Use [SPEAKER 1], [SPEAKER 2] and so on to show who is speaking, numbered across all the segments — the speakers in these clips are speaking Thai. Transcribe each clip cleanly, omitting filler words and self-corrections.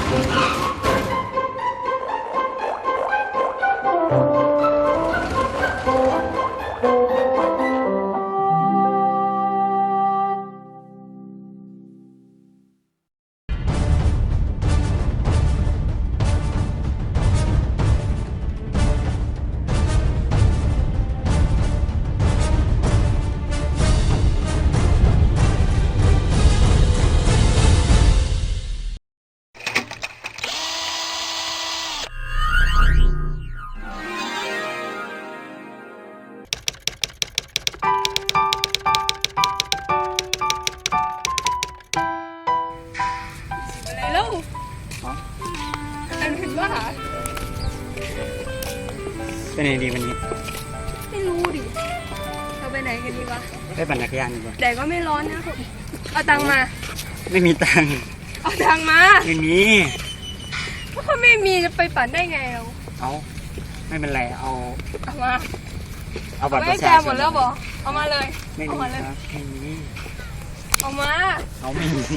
[SPEAKER 1] ไปไหนดีวันนี้
[SPEAKER 2] ไม่รู้ดิเราไปไหนกันดีวะ
[SPEAKER 1] ไปปั่นจักรยานดีกว่า
[SPEAKER 2] แดดก็ไม่ร้อนนะผมเอาตังมา
[SPEAKER 1] ไม่มีตัง
[SPEAKER 2] เอาตังมา
[SPEAKER 1] ไม่มี
[SPEAKER 2] ก็ไม่มีจะไปปั่นได้ไงเรา
[SPEAKER 1] เอาไม่เป็นไรเอา
[SPEAKER 2] มา
[SPEAKER 1] เอาบัตรประชาชน
[SPEAKER 2] หมดแล้วบอกเอามาเลย
[SPEAKER 1] ไม่มีครับไม่มี
[SPEAKER 2] เอามา
[SPEAKER 1] เอาไม่มี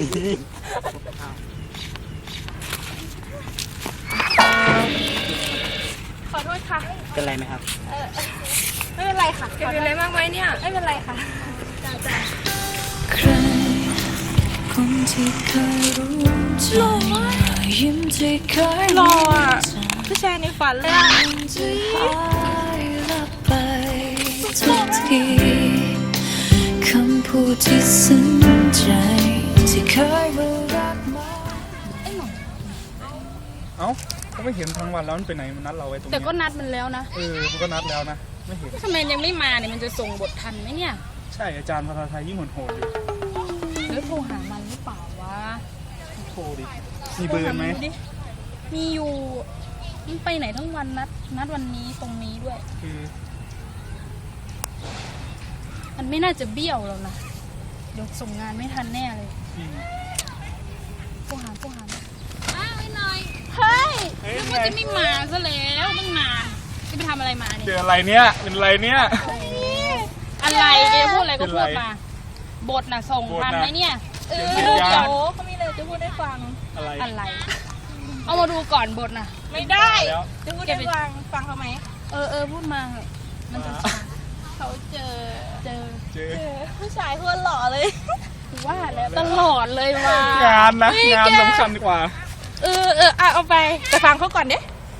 [SPEAKER 2] ขอโทษค่ะ
[SPEAKER 1] เป็นไรไหมครับ
[SPEAKER 2] ไม่เป็นไรค่ะเป็นอะไรมากไหมเนี่ยไม่เป็นไรค่ะจ้า
[SPEAKER 3] ใครคนที่เคยรู้ใจยิ้มที่เคย
[SPEAKER 2] หล่ออ่ะผู้ชายในฝันเลยอ่ะ
[SPEAKER 3] ที่หายลับไปทุกทีคำพูดที่ซึ้งใจที่เคยรู้รักมา
[SPEAKER 4] เอ้าก็ไม่เห็นทั้งวันแล้วมันไปไหนมันนัดเราไว้ตรงนี้
[SPEAKER 5] แต่ก็นัดมันแล้วนะ
[SPEAKER 4] มันก็นัดแล้วนะไม่เห็น
[SPEAKER 5] ทำไมยังไม่มาเนี่ยมันจะส่งบททันไหมเนี่ย
[SPEAKER 4] ใช่อาจารย์ภาษาไทยยิ่งโหดอยู่
[SPEAKER 5] แล้วโทรหามันหรือเปล่าวะ
[SPEAKER 4] โทรดิมีเบอร์ไหม
[SPEAKER 5] มีอยู่มันไปไหนทั้งวันนัดวันนี้ตรงนี้ด้วยมันไม่น่าจะเบี้ยวแล้วนะเดี๋ยวส่งงานไม่ทันแน่เลยโทรหาอ้าวไอ้หน่อยเฮ้ยแล้วก็จะไม่มาซะแล้วตั้งนานจะไปทำอะไรมาเนี่ย
[SPEAKER 4] เจออะไรเนี่ยเป็นอะไรเนี่ย
[SPEAKER 5] อะไรแกพูดอะไรก็พูดมาบทน่ะส่งทันไหมเนี่ยเดี๋ยวเขามีอะไรจะพูดให้ฟังอะไรเอามาดูก่อนบทน่ะไม่ได้จะพูดให้ฟังเขาไหมพูดมามันจะเขาเจอผู้ชายคนหล่อเลยว่าแล้วตลอดเลยว่
[SPEAKER 4] างานนะงานสำคัญกว่า
[SPEAKER 5] เอาไปแต่ฟังเขาก่อนเด้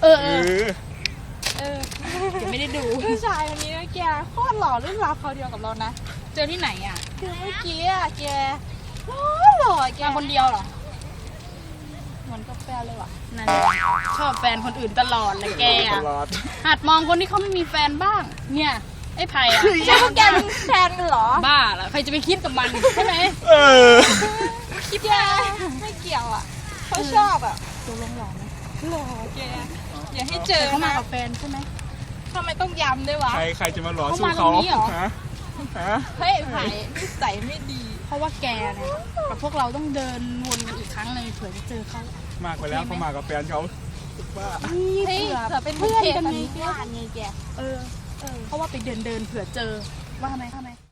[SPEAKER 5] ไม่ได้ดูผู้ชายคนนี้นะแกโคตรหล่อรุ่นราวเขาเดียวกับเรานะเจอที่ไหนอ่ะคือเมื่อกี้อ่ะแกหล่อแกคนเดียวเหรอเหมือนกับแฟนเลยว่ะนั่นชอบแฟนคนอื่นตลอดเลยแกอ่ะหัดมองคนที่เขาไม่มีแฟนบ้างเนี่ยไอ้ไผ่อะใช่พวกแกเป็นแฟนกันเหรอบ้าเหรอใครจะไปคิดกับมันใช่ไหมคิดแกไม่เกี่ยวอ่ะเขาชอบอ่ะตัวหล่อไหมหล่อแกอย่าให้เจอเขามากับแฟนใช่ไหมทำไมต้องย้ำด้วยวะ
[SPEAKER 4] ใครจะมาหล่อสู้เขา
[SPEAKER 5] เฮ้ยไผ่นิสัยไม่ดีเพราะว่าแกเนี่ยกับพวกเราต้องเดินวนกันอีกครั้งเลยเผื่อจะเจอเขา
[SPEAKER 4] มากไปแล้วเขามากับแฟนเขาว่า
[SPEAKER 5] เฮ้ยเผื่อเป็นเพื่อนกันไงแกเพราะว่าไปเดินเผื่อเจอว่าทำไม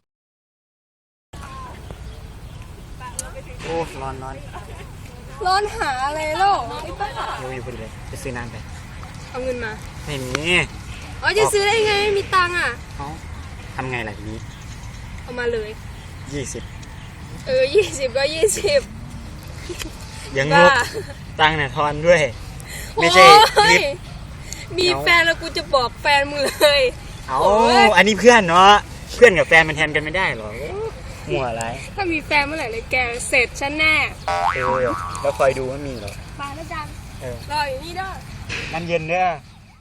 [SPEAKER 1] โอ้ร้
[SPEAKER 2] อนหาอะไรเล่าไอ้ป้า
[SPEAKER 1] อยู่พอดีเลยไปซื้อน้ำไป
[SPEAKER 2] เอาเงินมา
[SPEAKER 1] ไม่มี
[SPEAKER 2] จะซื้อได้ไงไม่มีตังค์อ่ะ
[SPEAKER 1] ทำไงล่ะทีนี้
[SPEAKER 2] เอามาเลย
[SPEAKER 1] 20
[SPEAKER 2] 20ก็20
[SPEAKER 1] ยังงบตังค์เนี่ยทอนด้วยไม่ใช่
[SPEAKER 2] มีแฟนแล้วกูจะบอกแฟนมึงเลย
[SPEAKER 1] อันนี้เพื่อนเนาะเพื่อนกับแฟนมันแทนกันไม่ได้หรอหัวอะไร
[SPEAKER 2] ถ้ามีแฟนเมื่อไหร่เลยแกเสร็จฉันแน่
[SPEAKER 1] แล้วคอยดูว่ามีหรอ
[SPEAKER 2] มาแล้วจังรออยู่นี่ด้วย
[SPEAKER 1] น้ำเย็นเนี่ย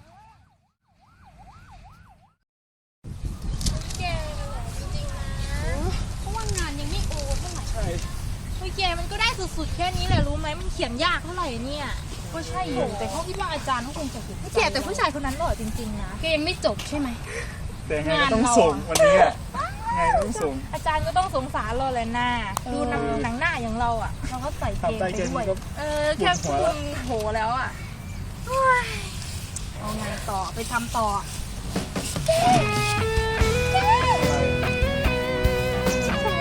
[SPEAKER 5] แกจริงๆนะเพราะว่างานยังไม่โอเท่าไหร่เฮ้ยแกมันก็ได้สุดๆแค่นี้แหละรู้ไหมมันเขียนยากเท่าไหร่เนี่ยก็ใช่อยู่แต่เขาคิดว่าอาจารย์เขาคงจะผิดแต่ผู้ชายคนนั้นหล่อจริงๆนะแกยังไม่จบใช่ไหม
[SPEAKER 4] แต่ไงก็ต้องส่งวันนี้ไงต้องส่ง
[SPEAKER 5] อาจารย์ก็ต้องสงสารเราแหละหน้าดูหนังหน้าอย่างเราอ่ะเราก็ใส่เกงไปด้วยแค่คุณโหแล้วอ่ะเอาไงต่อไปทำต่อ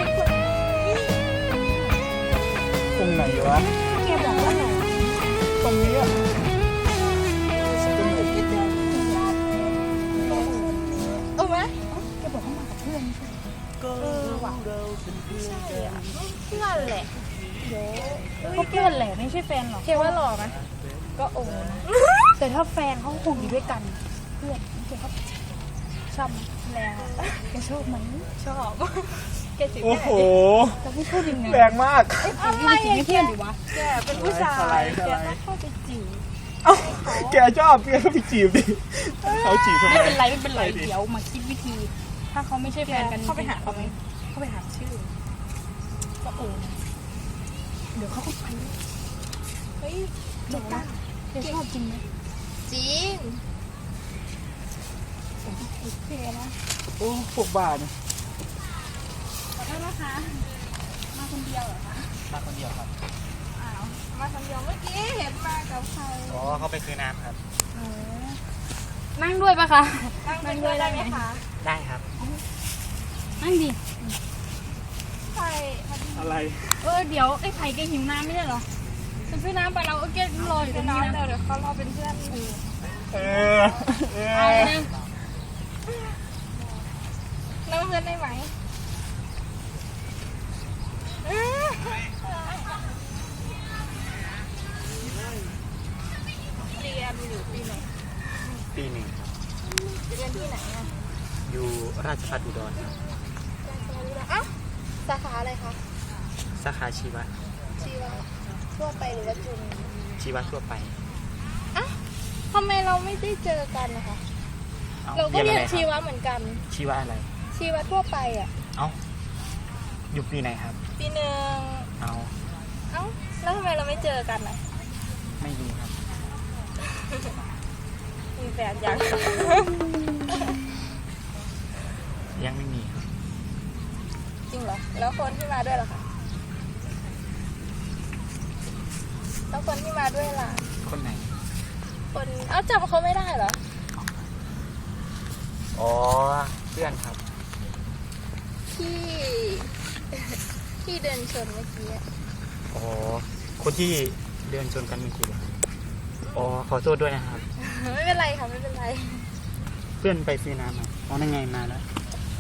[SPEAKER 4] ตรงไหนวะ
[SPEAKER 5] แกบอกว่าไหน
[SPEAKER 4] ตรง
[SPEAKER 5] ล่า
[SPEAKER 2] ใช่อ่ะเพื่อนแหละ
[SPEAKER 5] ก็เพื่อนแหละไม่ใช่แฟนหรอก
[SPEAKER 2] เคว่าหล่อไหม
[SPEAKER 5] ก็โอ้นะ แต่ถ้าแฟนเขาคงอยู่ด้วยกัน เพื่อนแกเขาชอบแรงอะแกชอบไหม
[SPEAKER 2] ชอบแกจีบ
[SPEAKER 4] โอ้
[SPEAKER 2] แม่
[SPEAKER 4] โห
[SPEAKER 5] แต่ไม่ชอบยังไง
[SPEAKER 4] แรงมาก
[SPEAKER 5] อะไรจีบให้เพื่อนดิวะ
[SPEAKER 2] แกเป็นผู้ชาย
[SPEAKER 4] อะไร
[SPEAKER 2] แกต้องเข้าไปจีบ
[SPEAKER 4] เอ้าแกชอบแกก็ไปจีบดิเขาจีบทำไม
[SPEAKER 5] ไม่เป็นไรไม่เป็นไร
[SPEAKER 4] ไปดิ
[SPEAKER 5] เดี๋ยวมาคิดวิธี ถ้าเขาไม่ใช่แฟนกัน
[SPEAKER 2] เข้าไปหา
[SPEAKER 5] เขาไหมเข้าไปหาชื่อ ก็โอ้นะเดี๋ยวเขาก็ไป
[SPEAKER 2] เฮ้ย
[SPEAKER 5] จบนะแกชอบจริงไหม
[SPEAKER 2] จริง
[SPEAKER 5] โอเคนะ
[SPEAKER 4] โอ้พวกบ้าเนี่ย
[SPEAKER 5] ขอโทษนะคะ มาคนเดียวเหรอคะ
[SPEAKER 1] มาคนเดียวครับ
[SPEAKER 5] อ้าว
[SPEAKER 2] มาคนเดียวเมื่อกี้เห็นมากับใคร
[SPEAKER 1] อ๋อเขาไปซื้อน้ำครับ
[SPEAKER 5] นั่งด้วยปะคะ
[SPEAKER 2] นั่งด้วยได้ไหมคะ
[SPEAKER 1] ได้ครับ
[SPEAKER 5] นั่งดิ
[SPEAKER 2] ใช่
[SPEAKER 4] อะไร
[SPEAKER 5] เดี๋ยวไอ้ไผ่แกหิวน้ำไม่ใช่เหรอจะซื้อน้ำไปเราแกรออยู่ตรงนี้นะ
[SPEAKER 2] เดี๋ยวเขารอเป็นเพื่อน
[SPEAKER 4] เออ
[SPEAKER 5] เอาเลยนะ
[SPEAKER 2] นั่งเพื่อนได้ไหม เรียนอยู่ปีไหน
[SPEAKER 1] ปีหนึ่งครับ
[SPEAKER 2] เรียนที่ไหนอ่ะ
[SPEAKER 1] อยู่ราชภัฏอุดรครับ
[SPEAKER 2] อ้าวสาขาอะไรคะ
[SPEAKER 1] สาขาชีวะ
[SPEAKER 2] ชีวะทั่วไปหรือว่าจุฬา
[SPEAKER 1] ชีวะทั่วไป
[SPEAKER 2] อ้าวทำไมเราไม่ได้เจอกันนะคะ
[SPEAKER 1] อ้
[SPEAKER 2] เราก็เรียน
[SPEAKER 1] อะไคบ
[SPEAKER 2] ชีวะเหมือนกัน
[SPEAKER 1] ชีวะอะไร
[SPEAKER 2] ชีวะทั่วไปอ่ะ
[SPEAKER 1] เอ้า อยู่ปีไหนครับ
[SPEAKER 2] ปีหนึ่ง
[SPEAKER 1] เอา
[SPEAKER 2] เอ้าแล้วทำไมเราไม่เจอกันอ่ะ
[SPEAKER 1] ไม่รู้ครับ
[SPEAKER 2] มีแฟนยัง
[SPEAKER 1] ยังไม่มีครับ
[SPEAKER 2] จริงเหรอ แล้วคนที่มาด้วยล่ะคะแล้วคนที่มาด้วยล่ะ
[SPEAKER 1] คนไหน
[SPEAKER 2] คนเอ้าจำเขาไม่ได้เหรอ
[SPEAKER 1] อ๋อ เพื่อนครับ
[SPEAKER 2] ที่ ที่เดินชนเมื่อกี้อะ
[SPEAKER 1] อ๋อ คนที่เดินชนกันเมื่อกี้เหรอครับอ๋อ ขอโทษด้วยนะครับ
[SPEAKER 2] ไม่เป็นไรค่ะไม่เป็นไร
[SPEAKER 1] เพื่อนไปซื้อน้ำมาอ๋อนั่นไงมาแล้ว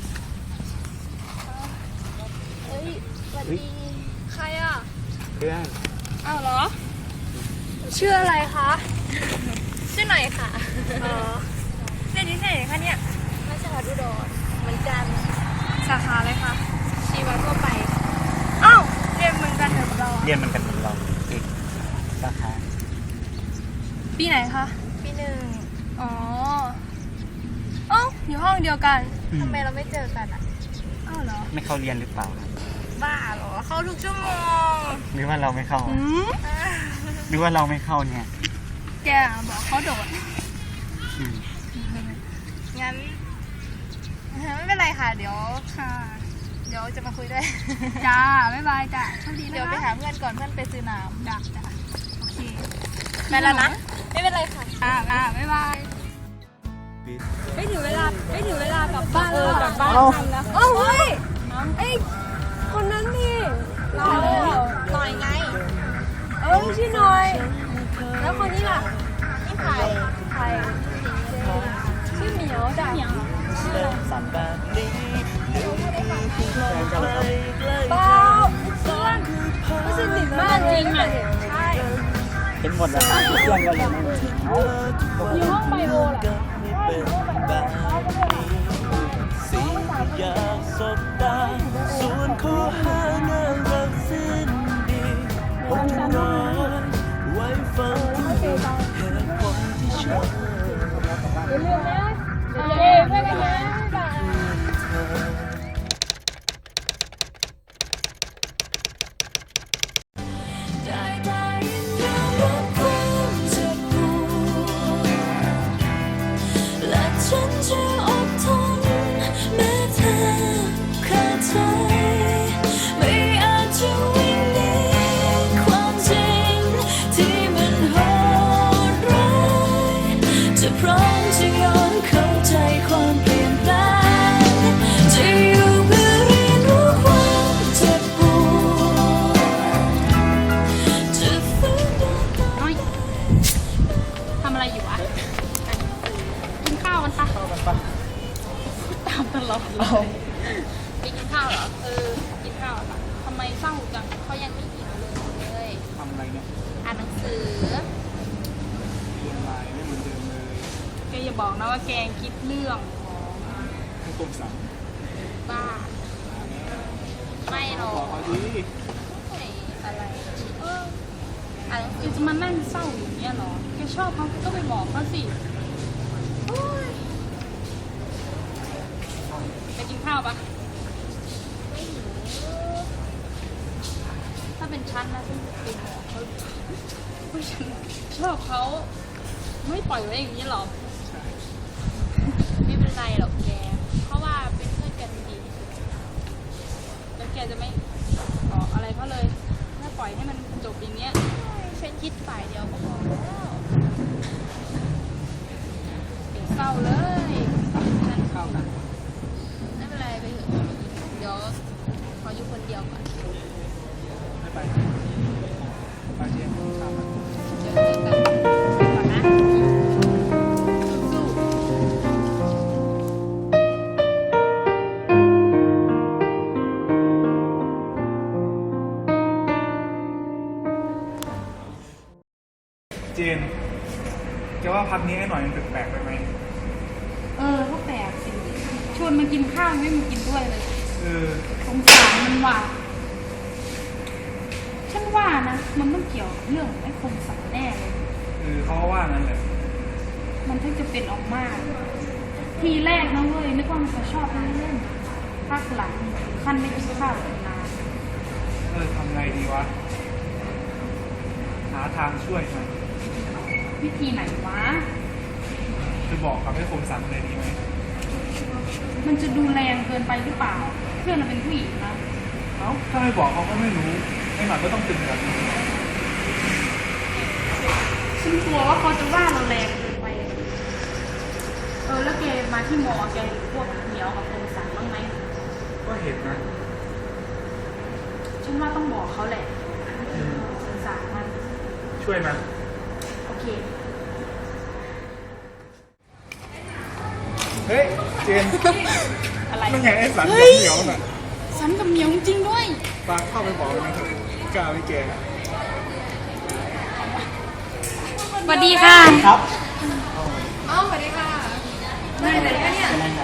[SPEAKER 2] เฮ้ยสวัสดี ใครอ่ะ
[SPEAKER 1] เพื่อน
[SPEAKER 2] อ้าวเหรอ ชื่ออะไรคะ ชื่อหน่อยค่ะ อ๋อเรียนที่ไหนคะเนี่ยราชภัฏอุดรเหมือนกัน สาขาอะไรคะ ชีวะทั่วไป อ้าวเรียนเหมือนกันเหรอเรา
[SPEAKER 1] เรียนเหมันกันเหมือนเราอีกสาขา
[SPEAKER 2] ปีไหนคะ ปีหนึ่งอ๋อเอ้าอยู่ห้องเดียวกัน ทำไมเราไม่เจอกันอ่ะ อ้าวเหรอ
[SPEAKER 1] ไม่เข้าเรียนหรือเปล่าครับ
[SPEAKER 2] บ้าเหรอ เข้าทุกชั่วโมง
[SPEAKER 1] หรือว่าเราไม่เข้า หรือว่าเราไม่เข้าเนี่ย
[SPEAKER 2] แกบอกเขาโดด
[SPEAKER 1] อืม
[SPEAKER 2] งั้นไม่เป็นไรค่ะ เดี๋ยวค่ะ เดี๋ยวจะมาคุยด้วย จ้า บ๊ายบายจ้าโชคดีนะเดี๋ยวไปหาเพื่อนก่อนเพื่อนไปซื้อน้ำจ้าจ้าโอเคไปแล้วนะ ไม่เป็นไรค่ะบ๊ายบายไม่ถึงเวลากลับบ้านแล้วกลับบ้านทันแล้วเฮ้ยไอ้คนนั้นนี่หน่อยไงชื่อหน่อย แล้วคนนี้ล่ะนี่ไผ่ชื่อเหมียวจ้ะเหมียวเปล่าเพื่อนไม่สนิทมากจริงอ่ะใช่
[SPEAKER 1] เห็นหมดแล้วครับเพื่อนเราอย่างนั้น
[SPEAKER 2] อยู่ห้องไบโอแหละใช่อยู่ห้องไบโอน้องก็ด้วยล่ะ
[SPEAKER 6] อยากสบตาส่วนข้อหาน่ารักสิ้นดีผมจะรอไว้ฟังเหตุผลที่ชอบ
[SPEAKER 2] อย่าลืมนะโอเคเพื่อนกันนะบ๊ายบาย
[SPEAKER 3] ได้ยินยอมรับความเจ็บปวดและฉันจะอดทนแม้เธอขาดใจไม่
[SPEAKER 5] เศร้าจัง
[SPEAKER 2] เขายังไม่หิวเลย
[SPEAKER 4] ทำอะไรเนี่ย
[SPEAKER 2] อ่านหนังสือ
[SPEAKER 4] เรียนไลน์ไม่เหมือนเดิมเลย
[SPEAKER 5] แกอย่าบอกนะว่าแกคิดเรื่องของ
[SPEAKER 4] ให้กรมสั่ง
[SPEAKER 2] บ้า ไม่หรอ
[SPEAKER 4] บอก
[SPEAKER 2] ก
[SPEAKER 4] เขาดิ
[SPEAKER 2] ไม่อะไรอ่านหนัง
[SPEAKER 5] แก
[SPEAKER 2] สือ
[SPEAKER 5] จะมานั่งเศร้าอย่างเงี้ยเหรอ แกชอบเขาก็ไปบอกเขาสิโอ๊ยไปกินข้าวปะ
[SPEAKER 2] ไม่หิว
[SPEAKER 5] ถ้าเป็นฉันนะฉันจะไปบอกเขาว่าฉันชอบเขาไม่ปล่อยไว้อย่างนี้หรอ
[SPEAKER 2] ไม่เป็นไรหรอกแก เพราะว่าเป็นเพื่อนกันดี
[SPEAKER 5] แล้วแกจะไม่บอกอะไรเขาเลยถ้าปล่อยให้มันจบอย่างเงี้ย
[SPEAKER 2] ฉันคิดฝ่ายเดียวก็พอแล้ว
[SPEAKER 5] เดี๋ยวเศร้าเลยฉันเข้านะ
[SPEAKER 2] ไม่เป็นไรไปเถอะเดี๋ยวขออยู่คนเดียวก่อน
[SPEAKER 4] ไม่ไปไปเรียนข้าม
[SPEAKER 2] เดี๋ยวเจอกันไปก่อนนะ
[SPEAKER 5] สู้
[SPEAKER 4] เจนแกว่าพักนี้ไอ้หน่อยมันแปลกๆไปไหม
[SPEAKER 5] ก็แปลกสิชวนมากินข้าวไม่มากินด้วยเลย
[SPEAKER 4] เออ
[SPEAKER 5] สงสารมันว่ะฉันว่านะมันต้องเกี่ยวกับเรื่องไอ้คมสันแน่เลย
[SPEAKER 4] เขาก็ว่างั้นแหละ
[SPEAKER 5] มันถึงจะเป็นออกมา ทีแรกนะเว้ยนึกว่ามันจะชอบเล่นภาคหลังถึงขั้นไม่กินข้าวกันนาน
[SPEAKER 4] ทำไงดีวะ หาทางช่วยมัน
[SPEAKER 5] วิธีไหนวะ
[SPEAKER 4] จะบอกกับไอ้คมสันเลยดีไหม
[SPEAKER 5] มันจะดูแรงเกินไปหรือเปล่า เพื่อนเราเป็นผู้หญิงนะ
[SPEAKER 4] ถ้าไม่บอกเขาก็ไม่รู้ไอ้หน่อยก็ต้องตึงแบบนี้
[SPEAKER 5] ฉันกลัวว่าเขาจะว่าเราแรงเกินไป แล้วแกมาที่มอแกเห็นพวกเหนียวกับคมสันบ้างไหม
[SPEAKER 4] ก็เห็นนะ
[SPEAKER 5] ฉันว่าต้องบอกเขาแหละสงสารมัน
[SPEAKER 4] ช่วยมัน
[SPEAKER 5] โอเค
[SPEAKER 4] เฮ้ย เจน
[SPEAKER 5] อะไร
[SPEAKER 4] นั่นไงไอ้สันกับเหนียวน่ะ
[SPEAKER 5] สันกับเหนียวจริงด้วย
[SPEAKER 4] ปาเข้าไปบอกมันเถอะกล้าไม่แก
[SPEAKER 5] สวัสดีค่ะ
[SPEAKER 1] ครับ
[SPEAKER 5] ได้เลยเนี่ย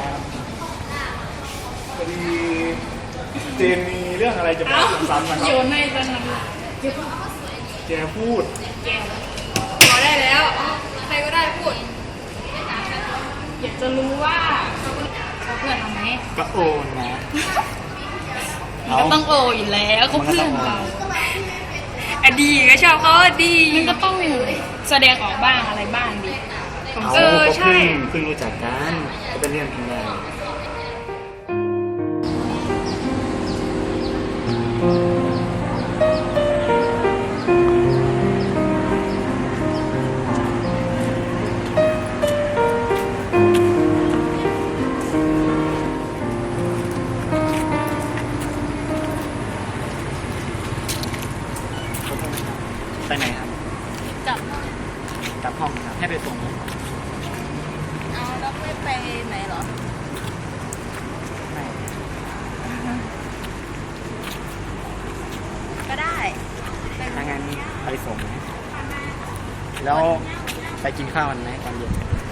[SPEAKER 4] พอดีเจนมีเรื่องอะไรจะบอกคมสันนะค
[SPEAKER 5] โย
[SPEAKER 4] รับ
[SPEAKER 5] นให้ตอนนั้น
[SPEAKER 4] แกพูด
[SPEAKER 2] พอได้แล้ว ใครก็ได้พูด
[SPEAKER 5] อยากจะรู้ว่าเขาเพื่อนเราไหม
[SPEAKER 1] ก็โอนนะ
[SPEAKER 5] มันก็ต้องโออยู่แล้วเขาเพื่อนเรา
[SPEAKER 2] อดีก็ชอบเขาอดี
[SPEAKER 5] มันก็ต้องแสดงออกบ้างอะไรบ้างดิ
[SPEAKER 1] เอา
[SPEAKER 2] เออ
[SPEAKER 1] ก็
[SPEAKER 2] ใช่
[SPEAKER 1] เพิ่งรู้จักกันก็เป็นเรื่องธรรมดา ไปไหนครับ
[SPEAKER 2] จับ
[SPEAKER 1] กลับห้องครับให้ไปส่งไหม
[SPEAKER 2] เอาแล้วไม่ไปไหนเหรอ
[SPEAKER 1] ไม่
[SPEAKER 2] ก็ได้
[SPEAKER 1] ถ้างั้นไปส่งไหมแล้วไปกินข้าวกันไหมตอนเย็น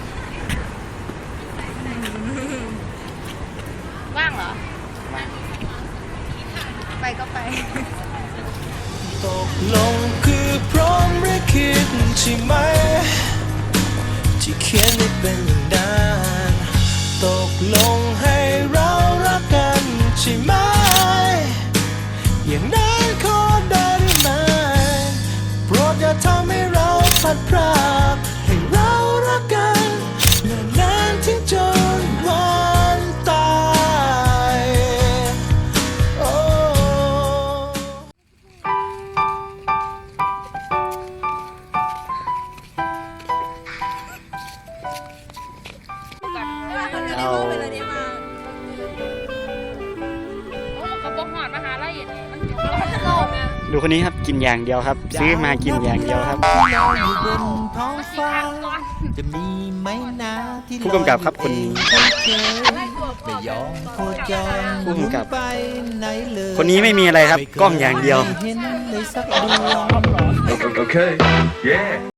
[SPEAKER 2] ว่างเหรอ
[SPEAKER 1] มา
[SPEAKER 2] ไปก็ไป
[SPEAKER 6] ตกลงคือพร้อมหรือคิดใช่ไหม ที่เขียนได้เป็นอย่างนั้นตกลงให้เรารักกันใช่ไหม อย่างนั้นขอได้หรือไม่โปรดอย่าทำให้เราพลัดพรากให้เรารักกันนานๆถึงจนวันตายโอ้
[SPEAKER 1] เรา
[SPEAKER 5] โอ้มันก็บอกหอดมหาลัยอย่างนี้มันอยู่
[SPEAKER 1] ดูคนนี้ครับกินอย่างเดียวครับ ซื้อมากินอย่างเดียวครับ
[SPEAKER 6] ลอยอยู่บนท้องฟ้า จะมีไหมนะที่
[SPEAKER 1] ผู้กำกับครับคน
[SPEAKER 6] ลอยไปเองไม่เคยได้ยอมโคจร
[SPEAKER 1] ผู้กำกับ
[SPEAKER 6] ไปไหนเลย
[SPEAKER 1] คนนี้ไม่มีอะไรครับ กล้องอย่างเดียว
[SPEAKER 6] ไม่เห็นเลยสักดวง
[SPEAKER 7] Okay. Yeah.